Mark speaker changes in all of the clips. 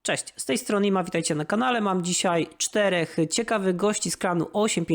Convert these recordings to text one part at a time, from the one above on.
Speaker 1: Cześć, z tej strony Ima, witajcie na kanale. Mam dzisiaj 4 ciekawych gości z klanu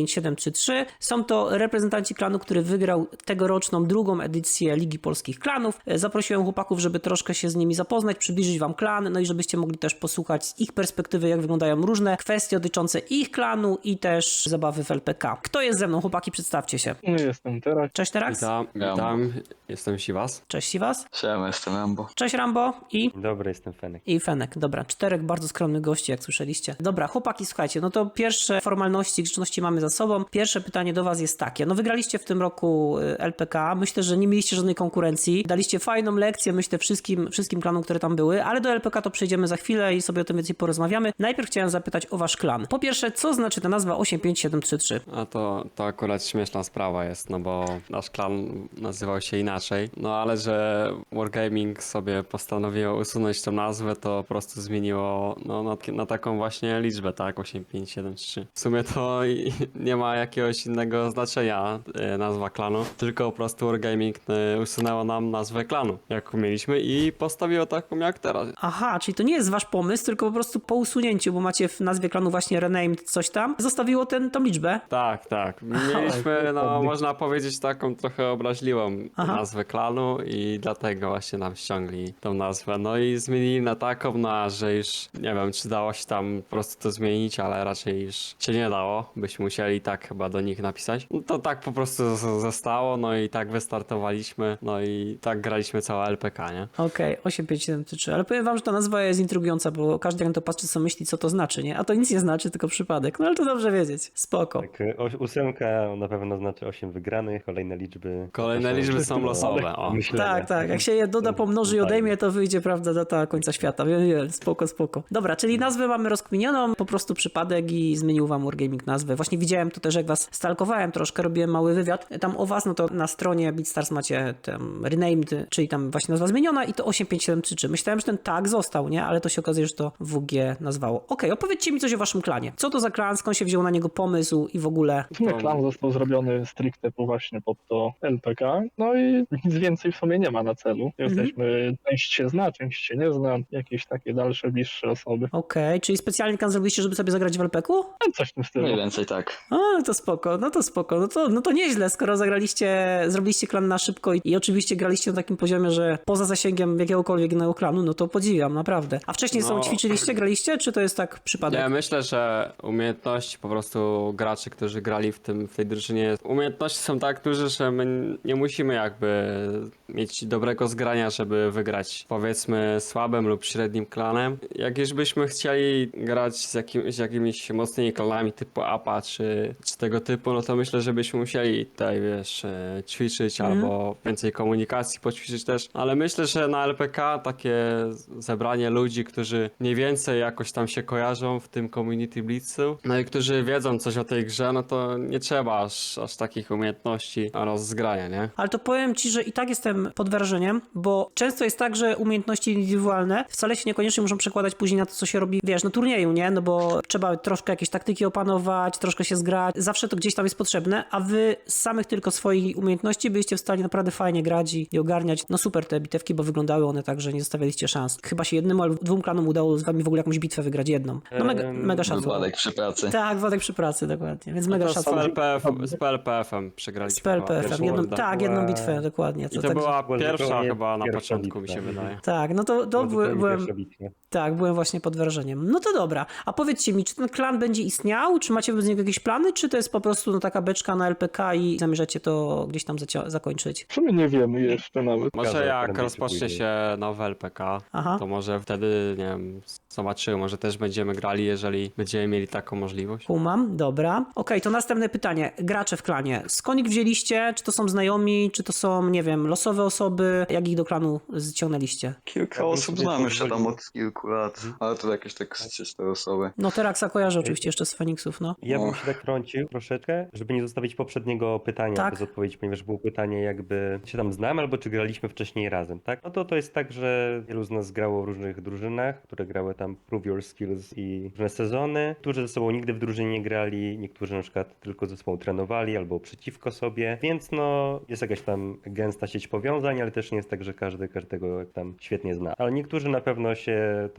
Speaker 1: 85733. Są to reprezentanci klanu, który wygrał tegoroczną drugą edycję Ligi Polskich Klanów. Zaprosiłem chłopaków, żeby troszkę się z nimi zapoznać, przybliżyć wam klan, no i żebyście mogli też posłuchać z ich perspektywy, jak wyglądają różne kwestie dotyczące ich klanu i też zabawy w LPK. Kto jest ze mną? Chłopaki, przedstawcie się.
Speaker 2: Jestem teraz.
Speaker 1: Cześć Terax.
Speaker 3: Witam, jestem Siwas.
Speaker 1: Cześć Siwas.
Speaker 4: Siema, jestem Rambo.
Speaker 1: Cześć Rambo i...
Speaker 5: Dobry, jestem Fenek.
Speaker 1: I Fenek. Dobra, 4 bardzo skromnych gości, jak słyszeliście. Dobra, chłopaki, słuchajcie, no to pierwsze formalności, grzeczności mamy za sobą. Pierwsze pytanie do was jest takie. No wygraliście w tym roku LPK. Myślę, że nie mieliście żadnej konkurencji. Daliście fajną lekcję, myślę, wszystkim klanom, które tam były, ale do LPK to przejdziemy za chwilę i sobie o tym więcej porozmawiamy. Najpierw chciałem zapytać o wasz klan. Po pierwsze, co znaczy ta nazwa 85733?
Speaker 3: A to akurat śmieszna sprawa jest, no bo nasz klan nazywał się inaczej. No ale że Wargaming sobie postanowiło usunąć tę nazwę, to po prostu zmieniło na taką właśnie liczbę, tak? 8573. W sumie to nie ma jakiegoś innego znaczenia nazwa klanu, tylko po prostu Wargaming usunęło nam nazwę klanu, jaką mieliśmy i postawiło taką jak teraz.
Speaker 1: Aha, czyli to nie jest wasz pomysł, tylko po prostu po usunięciu, bo macie w nazwie klanu właśnie renamed coś tam, zostawiło tą liczbę.
Speaker 3: Tak. Mieliśmy, no można powiedzieć, taką trochę obraźliwą nazwę klanu i dlatego właśnie nam ściągli tą nazwę. No i zmienili na taką, że już nie wiem, czy dało się tam po prostu to zmienić, ale raczej już się nie dało. Byśmy musieli tak chyba do nich napisać. No to tak po prostu zostało, no i tak wystartowaliśmy, no i tak graliśmy całe LPK, nie?
Speaker 1: Okej, 8573, ale powiem wam, że ta nazwa jest intrygująca, bo każdy jak na to patrzy, co myśli, co to znaczy, nie? A to nic nie znaczy, tylko przypadek. No ale to dobrze wiedzieć. Spoko.
Speaker 5: Tak, 8 na pewno znaczy 8 wygranych, kolejne liczby.
Speaker 3: Kolejne liczby są losowe, o.
Speaker 5: Myślenia.
Speaker 1: Tak. Jak się je doda, pomnoży i odejmie, to wyjdzie, prawda, data końca świata. Wiem, spoko. Dobra, czyli nazwę mamy rozkminioną, po prostu przypadek i zmienił wam Wargaming nazwę. Właśnie widziałem to też, jak was stalkowałem troszkę, robiłem mały wywiad tam o was, no to na stronie BeatStars macie tam renamed, czyli tam właśnie nazwa zmieniona i to 85733. Myślałem, że ten tag został, nie? Ale to się okazuje, że to WG nazwało. Okej, opowiedzcie mi coś o waszym klanie. Co to za klan, skąd się wziął na niego pomysł i w ogóle...
Speaker 2: W sumie klan został zrobiony stricte właśnie pod to LPK, no i nic więcej w sumie nie ma na celu. Jesteśmy, część się zna, część się nie zna, jakieś takie dalsze, bliższe osoby.
Speaker 1: Okej, czyli specjalnie klan zrobiliście, żeby sobie zagrać w LPK-u?
Speaker 2: No, coś w tym stylu.
Speaker 4: Mniej więcej tak.
Speaker 1: A, no to spoko. No to nieźle, skoro zrobiliście klan na szybko i oczywiście graliście na takim poziomie, że poza zasięgiem jakiegokolwiek innego klanu, no to podziwiam, naprawdę. A wcześniej sobie ćwiczyliście, graliście, czy to jest tak przypadek?
Speaker 3: Ja myślę, że umiejętności po prostu graczy, którzy grali w tej drużynie, umiejętności są tak duże, że my nie musimy jakby mieć dobrego zgrania, żeby wygrać powiedzmy słabym lub średnim klanem. Jak już byśmy chcieli grać z jakimiś mocnymi klanami typu APA czy tego typu, no to myślę, że byśmy musieli tutaj, wiesz, ćwiczyć albo więcej komunikacji poćwiczyć też, ale myślę, że na LPK takie zebranie ludzi, którzy mniej więcej jakoś tam się kojarzą w tym Community Blitzu, no i którzy wiedzą coś o tej grze, no to nie trzeba aż takich umiejętności oraz zgrania, nie?
Speaker 1: Ale to powiem ci, że i tak jestem pod wrażeniem, bo często jest tak, że umiejętności indywidualne wcale się niekoniecznie muszą przekładać później na to, co się robi, wiesz, na turnieju, nie? No bo trzeba troszkę jakieś taktyki opanować, troszkę się zgrać, zawsze to gdzieś tam jest potrzebne, a wy z samych tylko swoich umiejętności byliście w stanie naprawdę fajnie grać i ogarniać. No super te bitewki, bo wyglądały one tak, że nie zostawialiście szans. Chyba się jednemu albo 2 klanom udało z wami w ogóle jakąś bitwę wygrać jedną. No mega szacun.
Speaker 4: Wypadek przy pracy.
Speaker 1: Tak, wypadek przy pracy, dokładnie. Więc mega
Speaker 3: To
Speaker 1: szacun.
Speaker 3: z PLPF-em przegraliśmy.
Speaker 1: Z PLPF-em, jedną bitwę,
Speaker 5: była-
Speaker 1: dokładnie.
Speaker 3: I to była pierwsza
Speaker 5: nie
Speaker 3: chyba na
Speaker 5: pierwsza
Speaker 3: początku, mi
Speaker 5: bitwa.
Speaker 3: się wydaje.
Speaker 1: Tak, no to byłem... Tak, byłem właśnie pod wrażeniem. No to dobra. A powiedzcie mi, czy ten klan będzie istniał? Czy macie wobec niego jakieś plany? Czy to jest po prostu taka beczka na LPK i zamierzacie to gdzieś tam zakończyć?
Speaker 2: W sumie nie wiemy jeszcze nawet.
Speaker 3: Może
Speaker 5: Zgadza,
Speaker 3: jak
Speaker 5: prędzej
Speaker 3: rozpocznie
Speaker 5: czy później.
Speaker 3: się nowe LPK,
Speaker 1: Aha.
Speaker 3: to może wtedy, nie wiem, zobaczymy, może też będziemy grali, jeżeli będziemy mieli taką możliwość.
Speaker 1: Kumam, dobra. Okej, to następne pytanie. Gracze w klanie. Skąd ich wzięliście? Czy to są znajomi? Czy to są, nie wiem, losowe osoby? Jak ich do klanu ściągnęliście?
Speaker 4: Kilka osób znamy się tam od kilku lat, ale to jakieś tak 3-4 osoby.
Speaker 1: No Teraksa kojarzę oczywiście jeszcze z Feniksów, no.
Speaker 5: Ja bym się tak wtrącił troszeczkę, żeby nie zostawić poprzedniego pytania
Speaker 1: Tak.
Speaker 5: bez odpowiedzi, ponieważ było pytanie jakby się tam znamy albo czy graliśmy wcześniej razem, tak? No to jest tak, że wielu z nas grało w różnych drużynach, które grały tam Prove Your Skills i różne sezony. Niektórzy ze sobą nigdy w drużynie nie grali, niektórzy na przykład tylko ze sobą trenowali albo przeciwko sobie, więc no jest jakaś tam gęsta sieć powiązań, ale też nie jest tak, że każdy każdego tam świetnie zna. Ale niektórzy na pewno się tak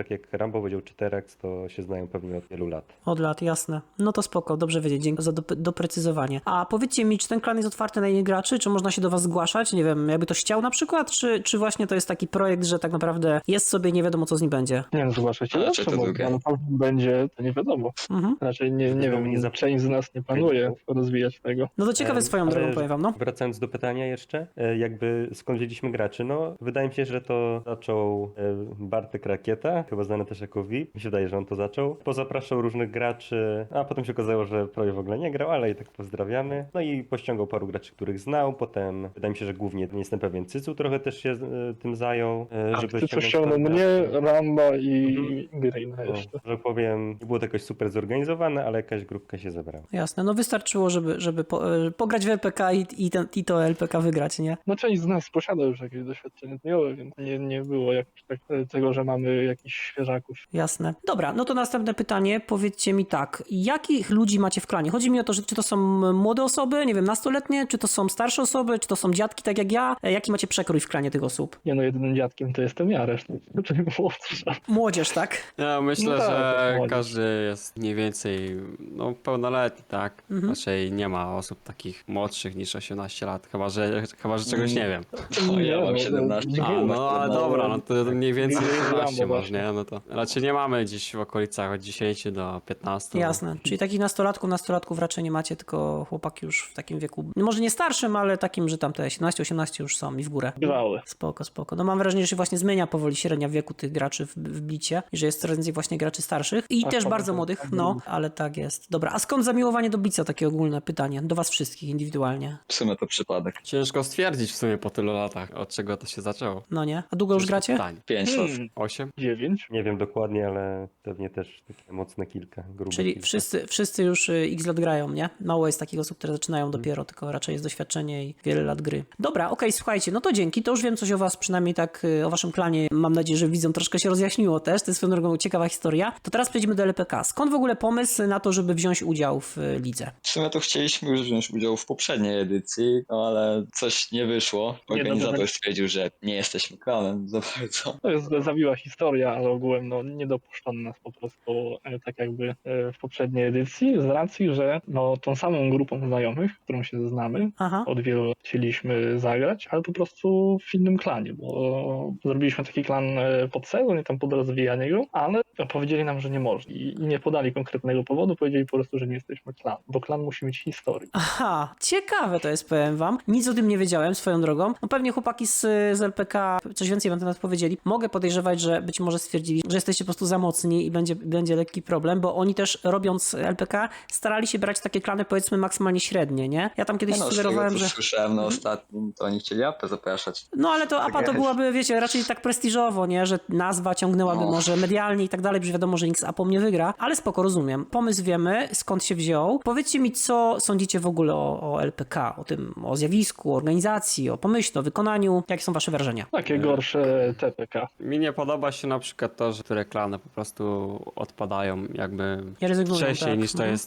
Speaker 5: tak jak Rambo powiedział, czy Terax, to się znają pewnie od wielu lat.
Speaker 1: Od lat, jasne. No to spoko, dobrze wiedzieć, dzięki za doprecyzowanie. A powiedzcie mi, czy ten klan jest otwarty na innych graczy, czy można się do was zgłaszać? Nie wiem, jakby ktoś chciał na przykład, czy właśnie to jest taki projekt, że tak naprawdę jest sobie i nie wiadomo, co z nim będzie?
Speaker 2: Nie wiem, zgłaszać się
Speaker 4: A,
Speaker 2: zawsze
Speaker 4: czy to
Speaker 2: można,
Speaker 4: drugie?
Speaker 2: ale tam będzie, to nie wiadomo.
Speaker 1: Mhm.
Speaker 2: Raczej nie
Speaker 5: Zresztą
Speaker 2: wiem,
Speaker 5: nie za-
Speaker 2: część z nas nie planuje rozwijać tego.
Speaker 1: No to ciekawe swoją
Speaker 5: Ale
Speaker 1: drogą, powiem wam, no.
Speaker 5: Wracając do pytania jeszcze, jakby skąd wzięliśmy graczy? No, wydaje mi się, że to zaczął Bartek Rakieta, chyba znany też jako VIP. Mi się wydaje, że on to zaczął. Pozapraszał różnych graczy, a potem się okazało, że prawie w ogóle nie grał, ale i tak pozdrawiamy. No i pościągał paru graczy, których znał. Potem, wydaje mi się, że głównie, nie jestem pewien, Cycu trochę też się tym zajął, żeby
Speaker 2: Ty
Speaker 5: ściągnąć
Speaker 2: ściągnął
Speaker 5: paru
Speaker 2: mnie,
Speaker 5: graczy.
Speaker 2: Ramba i Greena
Speaker 5: No,
Speaker 2: jeszcze.
Speaker 5: że powiem, nie było to jakoś super zorganizowane, ale jakaś grupka się zebrała.
Speaker 1: Jasne, no wystarczyło, żeby pograć w LPK i to LPK wygrać, nie?
Speaker 2: No część z nas posiada już jakieś doświadczenie dniowe, więc nie było jakoś tak tego, że mamy jakichś świeżaków.
Speaker 1: Jasne. Dobra, no to następne pytanie. Powiedzcie mi tak, jakich ludzi macie w klanie? Chodzi mi o to, że czy to są młode osoby, nie wiem, nastoletnie, czy to są starsze osoby, czy to są dziadki tak jak ja? Jaki macie przekrój w klanie tych osób?
Speaker 2: Nie no, jedynym dziadkiem to jestem ja, reszta czyli młodsza.
Speaker 1: Młodzież, tak?
Speaker 3: Ja myślę,
Speaker 2: No tak, to
Speaker 3: że
Speaker 2: młodzież.
Speaker 3: każdy jest mniej więcej pełnoletni, tak? Raczej nie ma osób takich młodszych niż 18 lat, chyba że czegoś nie wiem.
Speaker 4: O, ja mam
Speaker 2: no,
Speaker 4: 17.
Speaker 3: A, no ale dobra, no to mniej więcej
Speaker 2: Rambo
Speaker 3: 18 może,
Speaker 2: właśnie.
Speaker 3: nie? No to raczej nie mamy gdzieś w okolicach od 10 do 15.
Speaker 1: Jasne. Czyli takich nastolatków raczej nie macie, tylko chłopaki już w takim wieku, może nie starszym, ale takim, że tam te 17-18 już są i w górę.
Speaker 2: Bywały.
Speaker 1: Spoko, spoko. No mam wrażenie, że się właśnie zmienia powoli średnia wieku tych graczy w Blicie i że jest coraz więcej właśnie graczy starszych i
Speaker 2: Tak,
Speaker 1: też
Speaker 2: tak,
Speaker 1: bardzo
Speaker 2: tak,
Speaker 1: młodych,
Speaker 2: tak,
Speaker 1: no,
Speaker 2: tak.
Speaker 1: ale tak jest. Dobra, a skąd zamiłowanie do Blica? Takie ogólne pytanie do was wszystkich indywidualnie.
Speaker 4: W sumie to przypadek.
Speaker 3: Ciężko stwierdzić w sumie po tylu latach, od czego to się zaczęło.
Speaker 1: No nie? A długo już gracie?
Speaker 4: 5 lat.
Speaker 3: 8?
Speaker 2: 9.
Speaker 5: Nie wiem dokładnie, ale pewnie też takie mocne kilka, grube
Speaker 1: Czyli
Speaker 5: kilka.
Speaker 1: wszyscy już x lat grają, nie? Mało jest takich osób, które zaczynają dopiero, tylko raczej jest doświadczenie i wiele lat gry. Dobra, okej, słuchajcie, no to dzięki, to już wiem coś o was, przynajmniej tak o waszym klanie. Mam nadzieję, że widzom troszkę się rozjaśniło też, to jest swoją drogą ciekawa historia. To teraz przejdziemy do LPK. Skąd w ogóle pomysł na to, żeby wziąć udział w lidze?
Speaker 4: W sumie to chcieliśmy już wziąć udział w poprzedniej edycji, no ale coś nie wyszło. Organizator stwierdził, że nie jesteśmy klanem za bardzo.
Speaker 2: To jest zawiła historia, ale ogółem no, nie dopuszczono nas po prostu tak jakby w poprzedniej edycji z racji, że no, tą samą grupą znajomych, którą się znamy,
Speaker 1: Aha.
Speaker 2: od wielu lat chcieliśmy zagrać, ale po prostu w innym klanie, bo zrobiliśmy taki klan pod sezon i tam pod rozwijanie go, ale powiedzieli nam, że nie można i nie podali konkretnego powodu, powiedzieli po prostu, że nie jesteśmy klan, bo klan musi mieć historię.
Speaker 1: Aha, ciekawe to jest, powiem wam. Nic o tym nie wiedziałem swoją drogą. No pewnie chłopaki z LPK coś więcej wam na temat powiedzieli. Mogę podejrzewać, że być może stwierdzili, że jesteście po prostu za mocni i będzie lekki problem, bo oni też robiąc LPK starali się brać takie klany powiedzmy maksymalnie średnie, nie? Ja tam kiedyś
Speaker 4: No, z tego
Speaker 1: sugerowałem,
Speaker 4: co
Speaker 1: że...
Speaker 4: słyszałem na ostatnim, to oni chcieli APę zapraszać.
Speaker 1: No ale to APA to
Speaker 4: jest.
Speaker 1: byłaby, wiecie, raczej tak prestiżowo, nie? Że nazwa ciągnęłaby
Speaker 4: No.
Speaker 1: może medialnie i tak dalej, że wiadomo, że nikt z APą nie wygra, ale spoko, rozumiem. Pomysł wiemy, skąd się wziął. Powiedzcie mi, co sądzicie w ogóle o LPK, o tym, o zjawisku, o organizacji, o pomyśle, o wykonaniu. Jakie są wasze wrażenia?
Speaker 2: Takie gorsze TPK.
Speaker 3: Mi nie podoba się na przykład to, że niektóre klany po prostu odpadają jakby
Speaker 1: Nie rezygnują,
Speaker 3: wcześniej
Speaker 1: tak.
Speaker 3: niż to jest,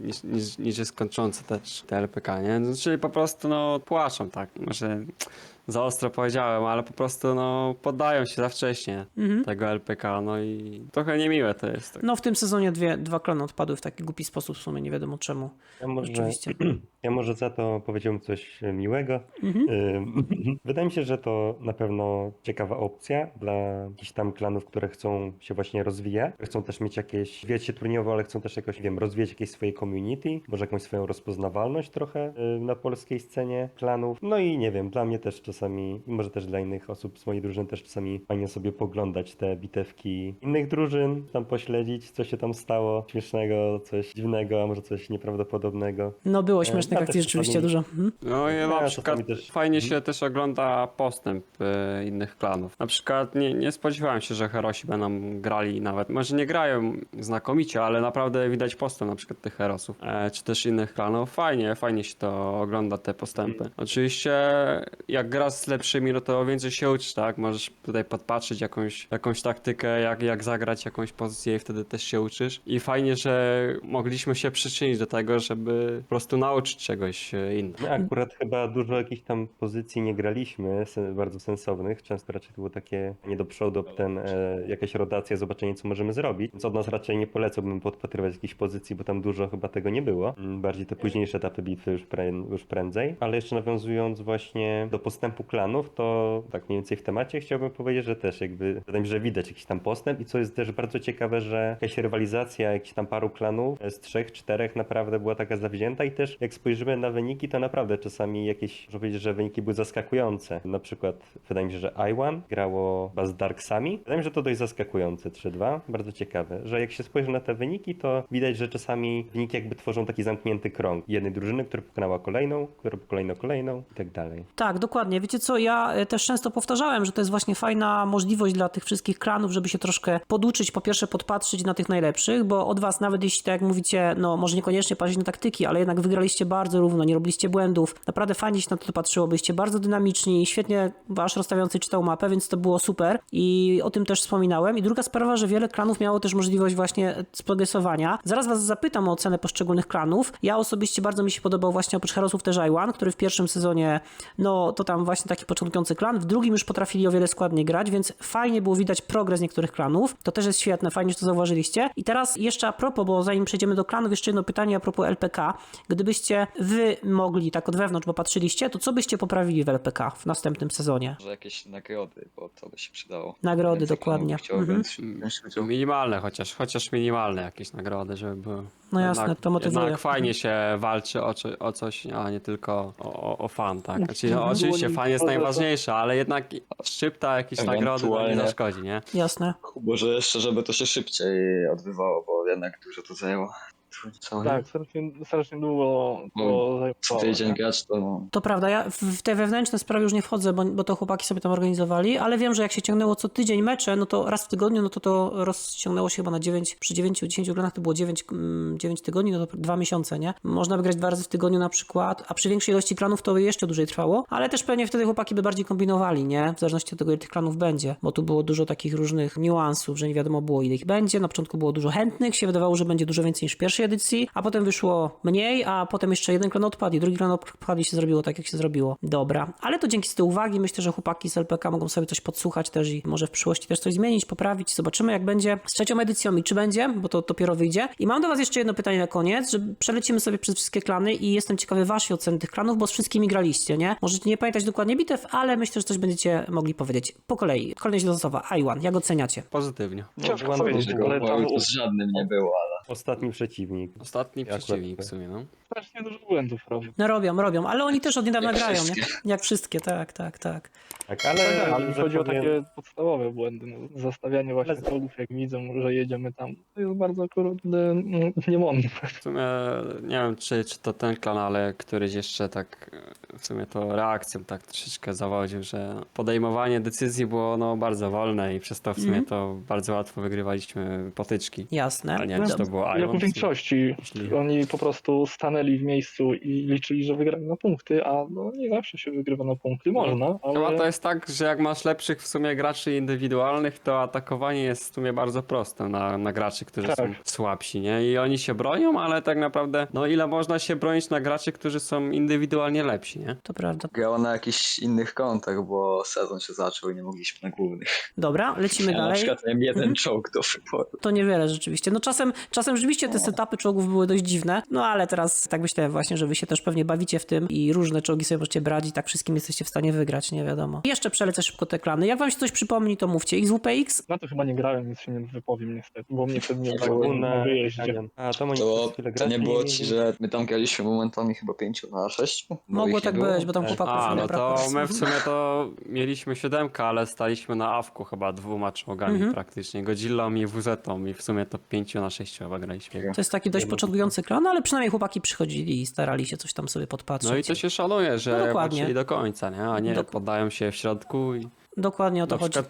Speaker 3: niż jest kończące też te LPK, nie? No, czyli po prostu no płaczą, tak. Może za ostro powiedziałem, ale po prostu no poddają się za wcześnie tego LPK, no i trochę niemiłe to jest. Tak.
Speaker 1: No w tym sezonie dwa klany odpadły w taki głupi sposób, w sumie nie wiadomo czemu. Rzeczywiście.
Speaker 5: Ja może za to powiedziałbym coś miłego. Wydaje mi się, że to na pewno ciekawa opcja dla jakichś tam klanów, które chcą się właśnie rozwijać. Chcą też mieć jakieś, wiecie, turniejowo, ale chcą też jakoś, nie wiem, rozwijać jakieś swoje community, może jakąś swoją rozpoznawalność trochę na polskiej scenie klanów. No i nie wiem, dla mnie też czasami, może też dla innych osób z mojej drużyny też czasami fajnie sobie poglądać te bitewki innych drużyn, tam pośledzić, co się tam stało śmiesznego, coś dziwnego, a może coś nieprawdopodobnego.
Speaker 1: No było śmiesznych
Speaker 5: ja
Speaker 1: akcji
Speaker 5: też
Speaker 1: rzeczywiście
Speaker 5: czasami-
Speaker 1: dużo.
Speaker 3: No i na
Speaker 5: Ja
Speaker 3: przykład
Speaker 5: czasami też-
Speaker 3: fajnie się też ogląda postęp innych klanów. Na przykład nie spodziewałem się, że herosi będą grali nawet, może nie grają znakomicie, ale naprawdę widać postęp na przykład tych herosów, czy też innych klanów. Fajnie się to ogląda, te postępy. Oczywiście jak gra grasz z lepszymi, no to więcej się uczysz, tak? Możesz tutaj podpatrzeć jakąś taktykę, jak zagrać jakąś pozycję i wtedy też się uczysz. I fajnie, że mogliśmy się przyczynić do tego, żeby po prostu nauczyć czegoś innego.
Speaker 5: My akurat chyba dużo jakichś tam pozycji nie graliśmy, bardzo sensownych. Często raczej to było takie nie do przodu, jakaś rotacja, zobaczenie co możemy zrobić. Więc od nas raczej nie polecałbym podpatrywać jakiejś pozycji, bo tam dużo chyba tego nie było. Bardziej te późniejsze etapy bitwy już prędzej. Ale jeszcze nawiązując właśnie do postępu klanów, to tak mniej więcej w temacie chciałbym powiedzieć, że też jakby wydaje mi się, że widać jakiś tam postęp i co jest też bardzo ciekawe, że jakaś rywalizacja jakichś tam paru klanów z 3-4 naprawdę była taka zawzięta i też jak spojrzymy na wyniki, to naprawdę czasami jakieś, można powiedzieć, że wyniki były zaskakujące. Na przykład wydaje mi się, że I1 grało chyba z Darksami. Wydaje mi się, że to dość zaskakujące 3-2. Bardzo ciekawe, że jak się spojrzy na te wyniki, to widać, że czasami wyniki jakby tworzą taki zamknięty krąg jednej drużyny, która pokonała kolejną, która kolejną i tak dalej.
Speaker 1: Tak, dokładnie. Wiecie co, ja też często powtarzałem, że to jest właśnie fajna możliwość dla tych wszystkich klanów, żeby się troszkę poduczyć, po pierwsze podpatrzyć na tych najlepszych, bo od was nawet jeśli, tak jak mówicie, no może niekoniecznie patrzeć na taktyki, ale jednak wygraliście bardzo równo, nie robiliście błędów, naprawdę fajnie się na to patrzyło, byliście bardzo dynamiczni, świetnie wasz rozstawiający czytał mapę, więc to było super i o tym też wspominałem. I druga sprawa, że wiele klanów miało też możliwość właśnie sprogresowania. Zaraz was zapytam o ocenę poszczególnych klanów. Ja osobiście bardzo mi się podobał właśnie oprócz Herosów też I1, który w pierwszym sezonie, no to tam właśnie taki początkujący klan, w drugim już potrafili o wiele składniej grać, więc fajnie było widać progres niektórych klanów. To też jest świetne, fajnie, że to zauważyliście. I teraz jeszcze a propos, bo zanim przejdziemy do klanów, jeszcze jedno pytanie a propos LPK. Gdybyście wy mogli tak od wewnątrz, bo patrzyliście, to co byście poprawili w LPK w następnym sezonie?
Speaker 4: Może jakieś nagrody, bo to by się przydało.
Speaker 1: Nagrody,
Speaker 4: Więcej
Speaker 1: dokładnie.
Speaker 4: klanów chciało
Speaker 1: Mhm.
Speaker 4: wziąć udział.
Speaker 3: Minimalne chociaż minimalne jakieś nagrody, żeby były.
Speaker 1: No jasne, to motywuje.
Speaker 3: Jednak fajnie się walczy o coś, a nie tylko o fan, tak? Znaczy, no, oczywiście fan jest najważniejszy, ale jednak szczypta jakieś nagrody to nie
Speaker 4: Ewentualnie.
Speaker 3: zaszkodzi, nie?
Speaker 1: Jasne.
Speaker 4: Może jeszcze, żeby to się szybciej odbywało, bo jednak dużo to zajęło.
Speaker 2: Tak, strasznie długo to
Speaker 4: Co
Speaker 2: zajmowało.
Speaker 4: tydzień grać to no,
Speaker 1: To prawda, ja w te wewnętrzne sprawy już nie wchodzę, bo to chłopaki sobie tam organizowali, ale wiem, że jak się ciągnęło co tydzień mecze, no to raz w tygodniu, no to rozciągnęło się chyba na 9, przy 9-10 granach to było 9 tygodni, no to 2 miesiące, nie? Można by grać 2 razy w tygodniu na przykład, a przy większej ilości klanów to by jeszcze dłużej trwało, ale też pewnie wtedy chłopaki by bardziej kombinowali, nie? W zależności od tego, ile tych klanów będzie, bo tu było dużo takich różnych niuansów, że nie wiadomo było, ile ich będzie. Na początku było dużo chętnych, się wydawało, że będzie dużo więcej niż w pierwszej edycji, a potem wyszło mniej, a potem jeszcze jeden klan odpadł i drugi klan odpadł i się zrobiło tak, jak się zrobiło. Dobra, ale to dzięki z tej uwagi myślę, że chłopaki z LPK mogą sobie coś podsłuchać też i może w przyszłości też coś zmienić, poprawić. Zobaczymy, jak będzie z trzecią edycją i czy będzie, bo to dopiero wyjdzie. I mam do was jeszcze jedno pytanie na koniec, że przelecimy sobie przez wszystkie klany i jestem ciekawy waszej oceny tych klanów, bo z wszystkimi graliście, nie? Możecie nie pamiętać dokładnie bitew, ale myślę, że coś będziecie mogli powiedzieć. Po kolei. Kolejność losowa. I1. Jak oceniacie?
Speaker 3: Pozytywnie.
Speaker 2: Ciężko
Speaker 5: Byłam
Speaker 2: powiedzieć,
Speaker 5: dużo,
Speaker 2: ale tam
Speaker 4: to z żadnym nie było, ale
Speaker 5: Ostatni przeciwnik.
Speaker 3: Ostatni
Speaker 5: Akurat
Speaker 3: przeciwnik w
Speaker 5: tak.
Speaker 3: sumie, no.
Speaker 2: strasznie dużo błędów robią.
Speaker 1: No robią, ale oni też od niedawna
Speaker 4: Jak
Speaker 1: grają, nie?
Speaker 4: wszystkie.
Speaker 1: Jak wszystkie, tak.
Speaker 5: Tak,
Speaker 2: Tak,
Speaker 5: ale
Speaker 2: mi
Speaker 5: że
Speaker 2: chodzi o
Speaker 5: powiem-
Speaker 2: takie podstawowe błędy. No, zastawianie właśnie
Speaker 5: Ale-
Speaker 2: czołgów, jak widzą, że jedziemy tam. To jest bardzo kurde niemądre.
Speaker 3: W sumie nie wiem, czy to ten klan, ale któryś jeszcze tak w sumie to reakcją tak troszeczkę zawodził, że podejmowanie decyzji było no bardzo wolne i przez to w sumie to bardzo łatwo wygrywaliśmy potyczki.
Speaker 1: Jasne.
Speaker 3: Ale nie wiem, czy to było
Speaker 2: Jak
Speaker 3: Iron.
Speaker 2: w większości.
Speaker 3: Jeśli-
Speaker 2: Oni po prostu stanęli w miejscu i liczyli, że wygrają na punkty, a no nie zawsze się wygrywa na punkty. Można,
Speaker 3: Chyba
Speaker 2: ale
Speaker 3: to jest tak, że jak masz lepszych w sumie graczy indywidualnych, to atakowanie jest w sumie bardzo proste na graczy, którzy
Speaker 2: Tak.
Speaker 3: są słabsi, nie? I oni się bronią, ale tak naprawdę, no ile można się bronić na graczy, którzy są indywidualnie lepsi, nie?
Speaker 1: To prawda.
Speaker 4: grało na jakichś innych kontach, bo sezon się zaczął i nie mogliśmy na głównych.
Speaker 1: Dobra, lecimy
Speaker 4: Ja na
Speaker 1: dalej.
Speaker 4: przykład miałem jeden czołg do wyboru.
Speaker 1: To niewiele rzeczywiście. No czasem rzeczywiście te setupy czołgów były dość dziwne, no ale teraz tak myślę właśnie, że wy się też pewnie bawicie w tym i różne czołgi sobie możecie brać i tak wszystkim jesteście w stanie wygrać, nie wiadomo. Jeszcze przelecę szybko te klany. Jak wam się coś przypomni, to mówcie. XWPX?
Speaker 2: na to chyba nie grałem, więc się nie wypowiem niestety, bo mnie wtedy nie
Speaker 4: Tak,
Speaker 2: było
Speaker 4: było
Speaker 2: na wyjeździe.
Speaker 5: A to oni
Speaker 4: To,
Speaker 5: przez chwilę
Speaker 4: to nie
Speaker 5: grali,
Speaker 4: było ci, że my tam graliśmy momentami chyba 5-6?
Speaker 1: Mogło tak być, bo tam
Speaker 5: Tak.
Speaker 1: chłopaków
Speaker 3: A,
Speaker 1: nie
Speaker 3: no to
Speaker 1: brakło.
Speaker 3: my w sumie to mieliśmy 7, ale staliśmy na awku chyba 2 czołgami praktycznie. Godzillą i WZ-tą i w sumie to 5-6 chyba graliśmy.
Speaker 1: To jest taki dość początkujący klan, ale przynajmniej chłopaki przychodzili i starali się coś tam sobie podpatrzeć.
Speaker 3: No i to się szanuje,
Speaker 1: No
Speaker 3: że
Speaker 1: dokładnie.
Speaker 3: walczyli do końca, nie? A nie poddają się w środku i
Speaker 1: Dokładnie o to
Speaker 3: na
Speaker 1: chodzi.
Speaker 3: przykład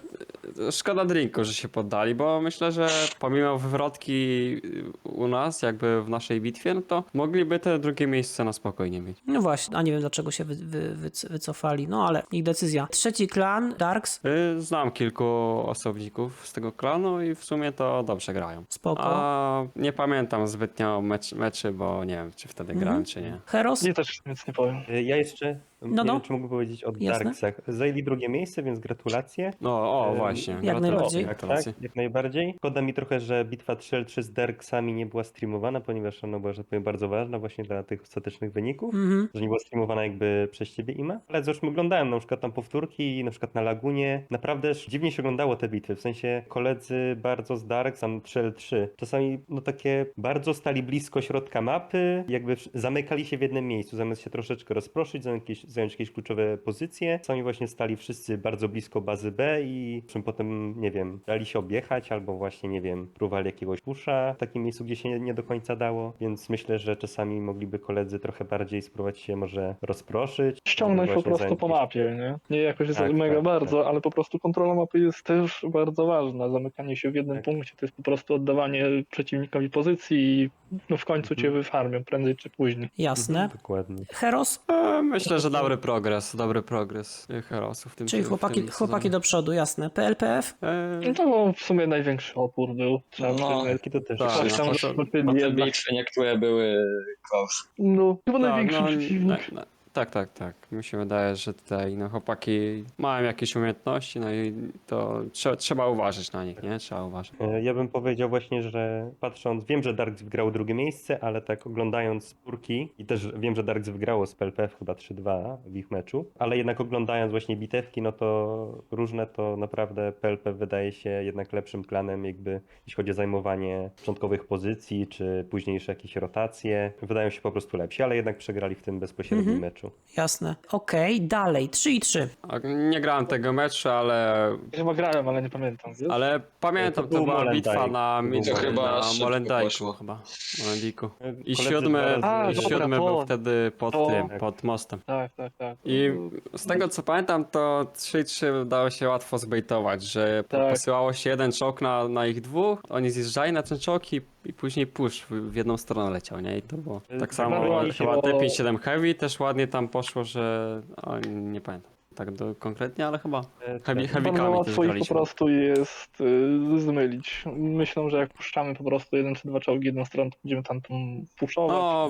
Speaker 3: szkoda drinku, że się poddali, bo myślę, że pomimo wywrotki u nas, jakby w naszej bitwie, no to mogliby te drugie miejsce na spokojnie mieć.
Speaker 1: No właśnie, a nie wiem dlaczego się wycofali, no ale ich decyzja. Trzeci klan, Darks,
Speaker 3: Znam kilku osobników z tego klanu i w sumie to dobrze grają.
Speaker 1: spoko.
Speaker 3: A nie pamiętam zbytnio meczy, bo nie wiem, czy wtedy grałem, czy nie.
Speaker 1: Heros,
Speaker 2: Nie, też nic nie powiem.
Speaker 5: Ja jeszcze
Speaker 1: No,
Speaker 5: nie
Speaker 1: no.
Speaker 5: wiem, czy mógł powiedzieć o
Speaker 1: Jasne.
Speaker 5: Darksach. Zajęli drugie miejsce, więc gratulacje.
Speaker 3: No, właśnie.
Speaker 1: Jak najbardziej.
Speaker 3: Gratulacje.
Speaker 5: Tak, jak najbardziej. Szkoda mi trochę, że bitwa 3-3 z Darksami nie była streamowana, ponieważ ona była, że tak powiem, bardzo ważna właśnie dla tych ostatecznych wyników. Że nie była streamowana jakby przez ciebie, Ima. Ale zresztą oglądałem na przykład tam powtórki, na przykład na Lagunie. Naprawdę dziwnie się oglądało te bitwy. W sensie koledzy bardzo z Darks, tam 3L3. Czasami no takie bardzo stali blisko środka mapy, jakby zamykali się w jednym miejscu, zamiast się troszeczkę rozproszyć, zająć jakieś kluczowe pozycje. Sami właśnie stali wszyscy bardzo blisko bazy B i czym potem, nie wiem, dali się objechać albo właśnie, nie wiem, próbowali jakiegoś pusza w takim miejscu, gdzie się nie do końca dało. Więc myślę, że czasami mogliby koledzy trochę bardziej spróbować się może rozproszyć.
Speaker 2: Ściągnąć po
Speaker 5: właśnie
Speaker 2: prostu
Speaker 5: zająć
Speaker 2: po
Speaker 5: jakieś-
Speaker 2: mapie, nie? Nie jakoś
Speaker 5: Tak,
Speaker 2: mega
Speaker 5: tak,
Speaker 2: bardzo, ale po prostu kontrola mapy jest też bardzo ważna. Zamykanie się w jednym
Speaker 5: Tak.
Speaker 2: punkcie to jest po prostu oddawanie przeciwnikowi pozycji i no w końcu cię wyfarmią, prędzej czy później.
Speaker 1: jasne.
Speaker 5: Dokładnie.
Speaker 1: Heros,
Speaker 3: Myślę, że dobry progres Herosów w tym
Speaker 1: czyli
Speaker 3: w
Speaker 1: chłopaki,
Speaker 3: tym
Speaker 1: chłopaki
Speaker 3: sezonie.
Speaker 1: do przodu, jasne. PLPF,
Speaker 2: No to w sumie największy opór był, trzeba
Speaker 4: No,
Speaker 2: przyznać.
Speaker 5: Taki to też.
Speaker 3: Tak,
Speaker 2: Coś tam
Speaker 3: no,
Speaker 2: zobaczyli
Speaker 4: Bo te
Speaker 2: jednak.
Speaker 4: bitwy niektóre były close.
Speaker 2: No, chyba
Speaker 3: Tak,
Speaker 2: największy
Speaker 3: no,
Speaker 2: przeciwnik.
Speaker 3: tak. Mi się wydaje, że tutaj no, chłopaki mają jakieś umiejętności, no i to trzeba uważać na nich, nie? Trzeba uważać.
Speaker 5: Ja bym powiedział właśnie, że patrząc, wiem, że Darks wygrało drugie miejsce, ale tak oglądając spórki i też wiem, że Darks wygrało z PLPF chyba 3-2 w ich meczu, ale jednak oglądając właśnie bitewki, no to różne, to naprawdę PLPF wydaje się jednak lepszym klanem, jakby jeśli chodzi o zajmowanie początkowych pozycji, czy późniejsze jakieś rotacje. Wydają się po prostu lepsi, ale jednak przegrali w tym bezpośrednim meczu.
Speaker 1: jasne. Okej, dalej, 3-3.
Speaker 3: A nie grałem tego meczu, ale
Speaker 2: Chyba grałem, ale nie pamiętam, wiesz?
Speaker 3: pamiętam,
Speaker 5: To
Speaker 3: to
Speaker 5: był
Speaker 3: była
Speaker 5: Molenbeek.
Speaker 3: bitwa na
Speaker 5: To
Speaker 4: chyba
Speaker 3: na
Speaker 4: szybko
Speaker 3: Molendajku
Speaker 4: poszło.
Speaker 3: chyba. Molendiku. I
Speaker 5: Koledzy
Speaker 3: siódmy,
Speaker 5: dwa razy-
Speaker 2: A, dobra,
Speaker 3: siódmy był
Speaker 2: to-
Speaker 3: wtedy pod
Speaker 2: to-
Speaker 3: tym, pod mostem.
Speaker 2: Tak.
Speaker 3: I z tego co pamiętam, to 3-3 dało się łatwo zbejtować, że
Speaker 2: Tak.
Speaker 3: posyłało się jeden czołg na ich dwóch, oni zjeżdżali na ten czołg i później push w jedną stronę leciał, nie? I to było tak samo,
Speaker 2: Bardzo
Speaker 3: chyba
Speaker 2: ładnie się-
Speaker 3: T57 Heavy też ładnie tam poszło, że nie pamiętam tak konkretnie, ale chyba
Speaker 5: Tak.
Speaker 3: heavykami
Speaker 2: Bardzo
Speaker 3: też
Speaker 2: łatwo ich po
Speaker 3: graliśmy.
Speaker 2: prostu jest zmylić. Myślą, że jak puszczamy po prostu jeden czy dwa czołgi jedną stronę, to będziemy tam puszować.
Speaker 3: No,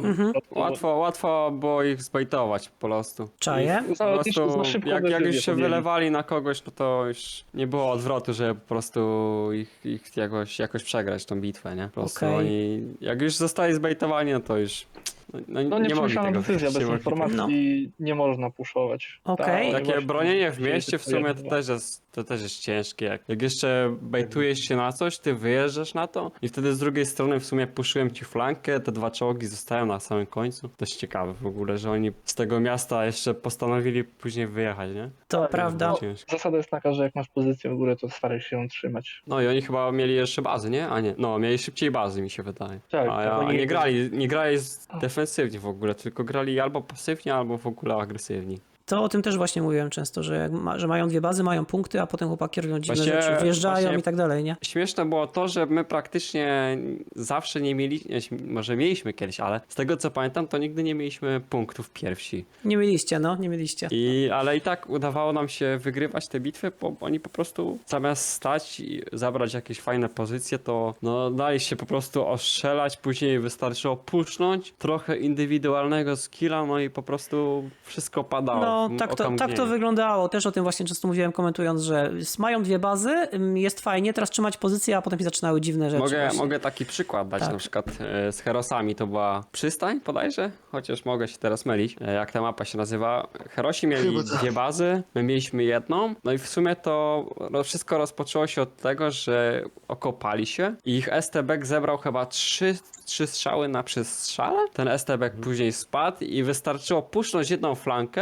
Speaker 3: łatwo było ich zbejtować po prostu.
Speaker 1: Czaję.
Speaker 3: I po
Speaker 2: Ale też
Speaker 3: prostu,
Speaker 2: za szybko
Speaker 3: jak
Speaker 2: decyzję
Speaker 3: już się
Speaker 2: podjęli.
Speaker 3: wylewali na kogoś, no to już nie było odwrotu, żeby po prostu ich jakoś przegrać tą bitwę, nie? Po prostu
Speaker 1: Okej.
Speaker 3: oni, jak już zostali zbejtowani, no to już
Speaker 2: No
Speaker 3: nie mogli
Speaker 2: nieprzemyślana
Speaker 3: tego
Speaker 2: decyzja, bez
Speaker 3: nie mogli
Speaker 2: informacji nie można puszować.
Speaker 1: Okej.
Speaker 2: Tak,
Speaker 3: Takie
Speaker 2: właśnie
Speaker 3: bronienie w
Speaker 2: dzieje się
Speaker 3: mieście w
Speaker 2: to
Speaker 3: sumie
Speaker 2: jedno.
Speaker 3: to też jest ciężkie. Jak jeszcze bejtujesz się na coś, ty wyjeżdżasz na to i wtedy z drugiej strony w sumie puszyłem ci flankę, te dwa czołgi zostają na samym końcu. To jest ciekawe w ogóle, że oni z tego miasta jeszcze postanowili później wyjechać, nie?
Speaker 1: To prawda.
Speaker 3: Ciężko.
Speaker 2: Zasada jest taka, że jak masz pozycję w górę, to staraj się ją trzymać.
Speaker 3: No i oni chyba mieli jeszcze bazy, nie? A nie, no mieli szybciej bazy mi się wydaje.
Speaker 2: Tak,
Speaker 3: A
Speaker 5: oni-
Speaker 3: nie grali defensywnie w ogóle, tylko grali albo pasywnie, albo w ogóle agresywni.
Speaker 1: To o tym też właśnie mówiłem często, że, że mają dwie bazy, mają punkty, a potem chłopaki robią dziwne
Speaker 3: Właśnie-
Speaker 1: rzeczy, wjeżdżają
Speaker 3: właśnie-
Speaker 1: i tak dalej, nie?
Speaker 3: Śmieszne było to, że my praktycznie zawsze nie mieliśmy, może mieliśmy kiedyś, ale z tego co pamiętam, to nigdy nie mieliśmy punktów pierwsi.
Speaker 1: Nie mieliście, no, nie mieliście.
Speaker 3: Ale i tak udawało nam się wygrywać te bitwy, bo oni po prostu zamiast stać i zabrać jakieś fajne pozycje, to no, dali się po prostu ostrzelać, później wystarczyło pusznąć, trochę indywidualnego skilla, no i po prostu wszystko padało.
Speaker 1: No,
Speaker 3: w
Speaker 1: tak to
Speaker 3: okamgnieniu.
Speaker 1: wyglądało. Też o tym właśnie często mówiłem, komentując, że mają dwie bazy, jest fajnie, teraz trzymać pozycję, a potem się zaczynały dziwne rzeczy. właśnie.
Speaker 3: Mogę taki przykład dać,
Speaker 1: Tak.
Speaker 3: na przykład z Herosami to była przystań bodajże, chociaż mogę się teraz mylić, jak ta mapa się nazywa. Herosi mieli dwie bazy, my mieliśmy jedną, no i w sumie to wszystko rozpoczęło się od tego, że okopali się i ich STB zebrał chyba trzy strzały na przestrzale. Ten STB później spadł i wystarczyło puszcząć jedną flankę, że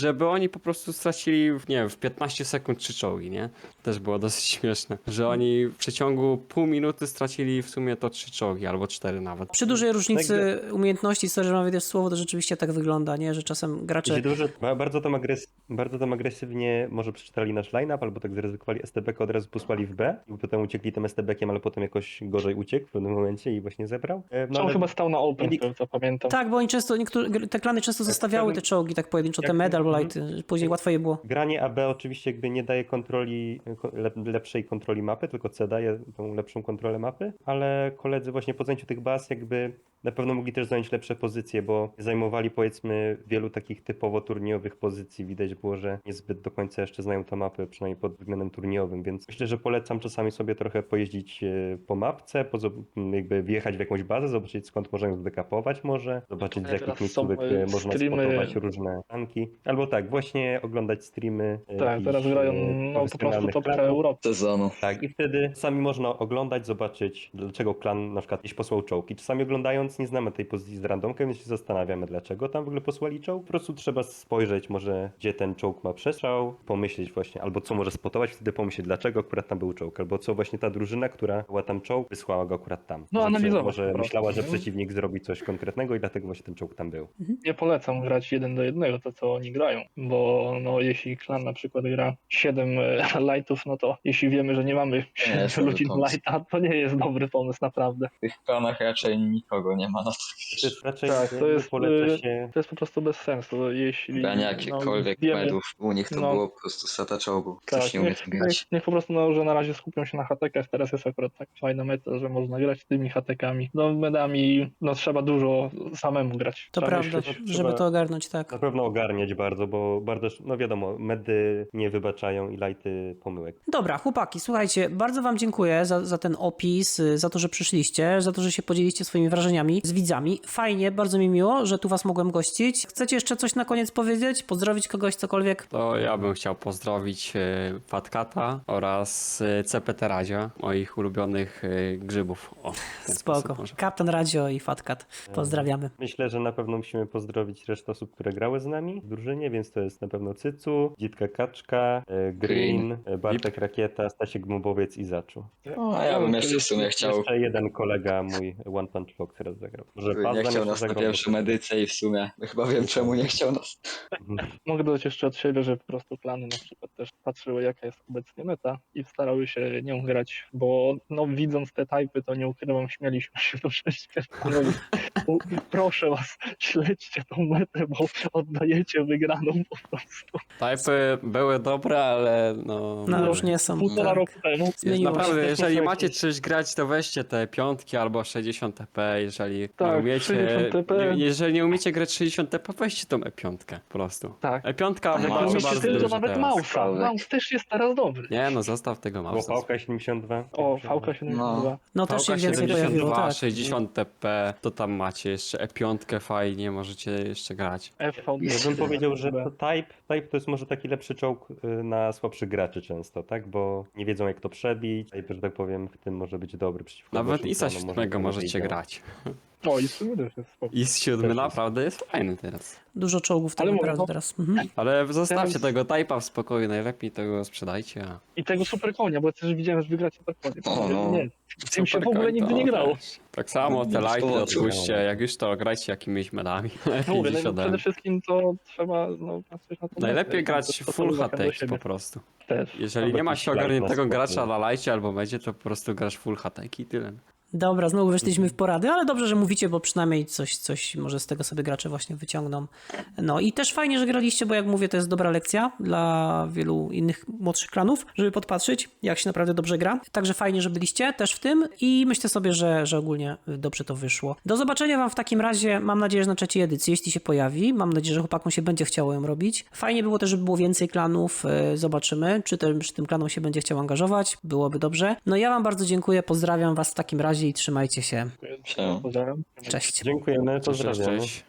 Speaker 3: żeby oni po prostu stracili, nie wiem, w 15 sekund 3 czołgi, nie? Też było dosyć śmieszne, że oni w przeciągu pół minuty stracili w sumie to 3 czołgi, albo 4 nawet.
Speaker 1: Przy dużej różnicy umiejętności, sorry, że mam wejdę w słowo, to rzeczywiście tak wygląda, nie? Że czasem gracze...
Speaker 5: Jeśli bardzo tam agresywnie może przeczytali nasz line-up, albo tak zaryzykowali STB-kę, od razu posłali w B i potem uciekli tym STB-kiem, ale potem jakoś gorzej uciekł w pewnym momencie i właśnie zebrał.
Speaker 2: On
Speaker 5: Ale
Speaker 2: chyba stał na open,
Speaker 5: mieli-
Speaker 2: co pamiętam.
Speaker 1: Tak, bo oni często, te klany często zostawiały te czołgi tak pojedynczo, te
Speaker 5: Jak-
Speaker 1: med albo
Speaker 5: mhm.
Speaker 1: lighty, później łatwo je było.
Speaker 5: Granie AB oczywiście jakby nie daje kontroli, lepszej kontroli mapy, tylko C daje tą lepszą kontrolę mapy, ale koledzy właśnie po zajęciu tych baz jakby na pewno mogli też zająć lepsze pozycje, bo zajmowali powiedzmy wielu takich typowo turniejowych pozycji. Widać było, że niezbyt do końca jeszcze znają tę mapę, przynajmniej pod względem turniejowym, więc myślę, że polecam czasami sobie trochę pojeździć po mapce, jakby wjechać w jakąś bazę, zobaczyć skąd można ją zdekapować może, zobaczyć z jakich
Speaker 2: Teraz
Speaker 5: miejscówek
Speaker 2: są,
Speaker 5: można
Speaker 2: streamy-
Speaker 5: spotować różne tanki. Albo tak, właśnie oglądać streamy.
Speaker 2: Tak,
Speaker 5: jakichś,
Speaker 2: teraz grają no, po prostu
Speaker 5: profesjonalnych
Speaker 2: top
Speaker 5: klanów.
Speaker 2: Europy.
Speaker 4: Sezonu.
Speaker 5: Tak, i wtedy sami można oglądać, zobaczyć, dlaczego klan na przykład gdzieś posłał czołg. I czasami oglądając nie znamy tej pozycji z randomkiem, więc się zastanawiamy, dlaczego tam w ogóle posłali czołg. Po prostu trzeba spojrzeć może, gdzie ten czołg ma przestrzał, pomyśleć właśnie, albo co może spotować, wtedy pomyśleć, dlaczego akurat tam był czołg, albo co właśnie ta drużyna, która była tam czołg, wysłała go akurat tam.
Speaker 2: No,
Speaker 5: Że
Speaker 2: analizować
Speaker 5: może
Speaker 2: po prostu,
Speaker 5: myślała, że
Speaker 2: nie?
Speaker 5: przeciwnik zrobi coś konkretnego i dlatego właśnie ten czołg tam był.
Speaker 2: Nie polecam grać 1 do 1, to co oni grają, bo no, jeśli klan na przykład gra 7 lightów, no to jeśli wiemy, że nie mamy 7
Speaker 4: jest
Speaker 2: ludzi
Speaker 4: dobry
Speaker 2: do
Speaker 4: pomysł.
Speaker 2: lighta, to nie jest dobry pomysł, naprawdę.
Speaker 4: W tych klanach raczej nikogo nie ma na to.
Speaker 5: To jest raczej
Speaker 2: Tak, to jest,
Speaker 5: poleca się...
Speaker 2: to jest po prostu bez sensu, jeśli
Speaker 4: Granie jakichkolwiek
Speaker 2: wiemy,
Speaker 4: medów. U nich to
Speaker 2: no.
Speaker 4: było po prostu seta czołgu.
Speaker 2: tak,
Speaker 4: Ktoś nie umie tym grać.
Speaker 2: niech po prostu no, że na razie skupią się na hatekach, teraz jest akurat tak fajna meta, że można grać tymi hatekami. No medami, no trzeba dużo samemu grać.
Speaker 1: To
Speaker 2: trzeba
Speaker 1: prawda,
Speaker 2: myśleć.
Speaker 1: żeby to ogarnąć, tak.
Speaker 5: Na pewno ogarniać bardzo, bo bardzo, no wiadomo, medy nie wybaczają i lighty pomyłek.
Speaker 1: Dobra, chłopaki, słuchajcie, bardzo wam dziękuję za ten opis, za to, że przyszliście, za to, że się podzieliście swoimi wrażeniami z widzami. Fajnie, bardzo mi miło, że tu was mogłem gościć. Chcecie jeszcze coś na koniec powiedzieć? Pozdrowić kogoś, cokolwiek?
Speaker 3: To ja bym chciał pozdrowić Fatkata oraz CPT Radzia, moich ulubionych grzybów. O, w ten
Speaker 1: Spoko.
Speaker 3: sposób może.
Speaker 1: Kapitan Radio i Fatkat. Pozdrawiamy.
Speaker 5: Myślę, że na pewno musimy pozdrowić resztę osób, które grały z nami w drużynie, więc to jest na pewno Cycu, Dzitka Kaczka, Green, Bartek Rakieta, Stasiek Gmubowiec i Zaczu.
Speaker 4: No, a ja bym jeszcze w sumie chciał.
Speaker 5: Jeszcze jeden kolega mój, One Punch Fox, teraz zagrał. Może
Speaker 4: Nie
Speaker 5: Pazdan
Speaker 4: chciał
Speaker 5: jeszcze
Speaker 4: nas na
Speaker 5: zagrał,
Speaker 4: pierwszym
Speaker 5: bo-
Speaker 4: edycji i w sumie chyba wiem czemu nie chciał nas.
Speaker 2: Mogę dodać jeszcze od siebie, że po prostu klany na przykład też patrzyły jaka jest obecnie meta i starały się nią grać, bo no widząc te typy, to nie ukrywam, śmialiśmy się do prześwietlenia. Proszę was, śledźcie tą metę, bo oddajecie wygraną po prostu.
Speaker 3: Typy były dobre, ale no...
Speaker 1: No
Speaker 3: mówię.
Speaker 1: już nie są.
Speaker 2: Półtora
Speaker 1: Tak.
Speaker 2: roku temu.
Speaker 1: Zmieniło się.
Speaker 3: Naprawdę,
Speaker 2: też
Speaker 3: jeżeli
Speaker 2: muszę
Speaker 3: macie
Speaker 2: jakieś-
Speaker 3: coś grać, to weźcie te piątki albo 60 TP, jeżeli
Speaker 2: Tak,
Speaker 3: nie umiecie,
Speaker 2: 60 TP.
Speaker 3: jeżeli nie umiecie grać 60 TP, weźcie tą E5 po prostu.
Speaker 2: Tak.
Speaker 3: E5
Speaker 4: Ale
Speaker 3: wybaczy
Speaker 4: myślę,
Speaker 3: bardzo
Speaker 2: Myślę, że
Speaker 3: dużo
Speaker 2: nawet
Speaker 3: teraz.
Speaker 2: Mausa. Maus też jest teraz dobry.
Speaker 3: Nie no, zostaw tego
Speaker 5: Było
Speaker 3: mausa.
Speaker 5: Pałka 72.
Speaker 2: O, VK72.
Speaker 1: No też się
Speaker 3: Pałka
Speaker 1: więcej pojawiło,
Speaker 3: 72,
Speaker 1: tak.
Speaker 3: 60 TP, to tam macie jeszcze E5 fajnie, możecie jeszcze grać.
Speaker 2: FV.
Speaker 5: Ja bym powiedział, że to type to jest może taki lepszy czołg na słabszych graczy często, tak? Bo nie wiedzą jak to przebić. Type, że tak powiem, w tym może być dobry przeciwko
Speaker 3: Nawet
Speaker 5: gorszym
Speaker 3: ISA
Speaker 5: klanom,
Speaker 3: 7
Speaker 5: to
Speaker 3: możecie
Speaker 5: działać.
Speaker 3: grać.
Speaker 2: O, i sobie też jest spoko.
Speaker 3: IS 7
Speaker 5: Też jest.
Speaker 3: naprawdę jest fajny teraz.
Speaker 1: Dużo czołgów tak
Speaker 2: Ale mówię,
Speaker 1: naprawdę
Speaker 2: no-
Speaker 1: teraz. Mhm.
Speaker 3: Ale zostawcie
Speaker 2: Teraz-
Speaker 3: tego type'a w spokoju, najlepiej tego sprzedajcie. A...
Speaker 2: I tego super konia, bo ja też widziałem, że wygracie super konie.
Speaker 4: O, no.
Speaker 2: Nie, w tym się w
Speaker 3: Super
Speaker 2: ogóle nigdy nie
Speaker 3: koń,
Speaker 2: grało.
Speaker 3: też. Tak samo te
Speaker 4: Nie
Speaker 3: lighty
Speaker 4: szkoda,
Speaker 3: odpuśćcie, jak już to grajcie jakimiś medami.
Speaker 2: No
Speaker 3: Lepiej
Speaker 2: mówię,
Speaker 3: niż
Speaker 2: no,
Speaker 3: ode
Speaker 2: przede
Speaker 3: mnie.
Speaker 2: wszystkim to trzeba no, patrzeć na to.
Speaker 3: Najlepiej grać
Speaker 2: to
Speaker 3: full
Speaker 2: uwagę do
Speaker 3: hateki
Speaker 2: siebie
Speaker 3: po prostu.
Speaker 2: też.
Speaker 3: Jeżeli
Speaker 5: Albo
Speaker 3: nie ma
Speaker 5: jakiś
Speaker 3: się
Speaker 5: light na
Speaker 3: ogarniętego
Speaker 5: spokój.
Speaker 3: gracza na lajcie albo będzie, to po prostu grasz full hateki i tyle.
Speaker 1: Dobra, znowu weszliśmy w porady, ale dobrze, że mówicie, bo przynajmniej coś może z tego sobie gracze właśnie wyciągną. No i też fajnie, że graliście, bo jak mówię, to jest dobra lekcja dla wielu innych młodszych klanów, żeby podpatrzeć, jak się naprawdę dobrze gra. Także fajnie, że byliście też w tym i myślę sobie, że ogólnie dobrze to wyszło. Do zobaczenia wam w takim razie, mam nadzieję, że na trzeciej edycji, jeśli się pojawi. Mam nadzieję, że chłopakom się będzie chciało ją robić. Fajnie było też, żeby było więcej klanów. Zobaczymy, czy tym klanom się będzie chciał angażować. Byłoby dobrze. No ja wam bardzo dziękuję, pozdrawiam was w takim razie i trzymajcie się.
Speaker 4: Siema.
Speaker 2: Pozdrawiam.
Speaker 1: Cześć.
Speaker 5: Dziękujemy,
Speaker 3: Cześć,
Speaker 5: pozdrawiamy.
Speaker 3: cześć.